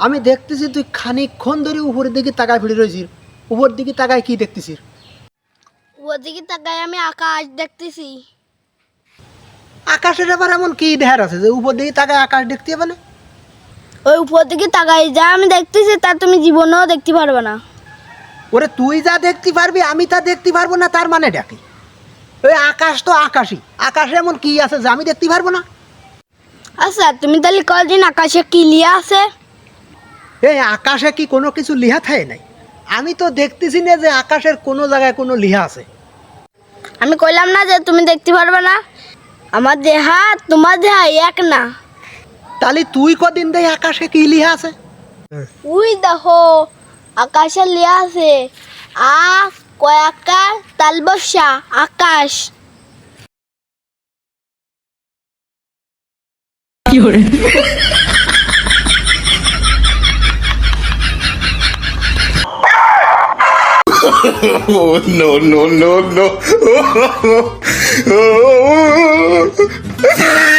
আমি দেখতেছি তুই খানিকক্ষণ ধরে উপরের দিকে তাকায় ফিরে রয়েছিস। উপর দিকে তাকায় কি দেখতেছিস? ওদিকে তাকায় আমি আকাশ দেখতেছি। আকাশের আবার এমন কি দেখার আছে যে উপর দিকে তাকায় আকাশ দেখতে হবে না? ওই উপর দিকে তাকাই যা আমি দেখতেছি তা তুমি জীবনেও দেখতে পারবে না। ওরে তুই যা দেখতে পারবি আমি তা দেখতে পারবো না, তার মানে ডাকি ওই আকাশ তো আকাশই, আকাশে এমন কি আছে যে আমি দেখতে পারবো না? আচ্ছা তুমি তাহলে কদিন আকাশে কি লিয়া আছে? এই আকাশে কি কোনো কিছু লিহা থাকে নাই? আমি তো দেখতেছি না যে আকাশের কোনো জায়গায় কোনো লিহা আছে। আমি কইলাম না যে তুমি দেখতে পারবে না? আমার দেহা তোমার দেহা এক না। তাহলে তুই কদিন দেয় আকাশে কি লিহা আছে? উই দেখো আকাশে লিয়া আছে আ কয়াকার তালবসা আকাশ। Oh, no, no, no, no.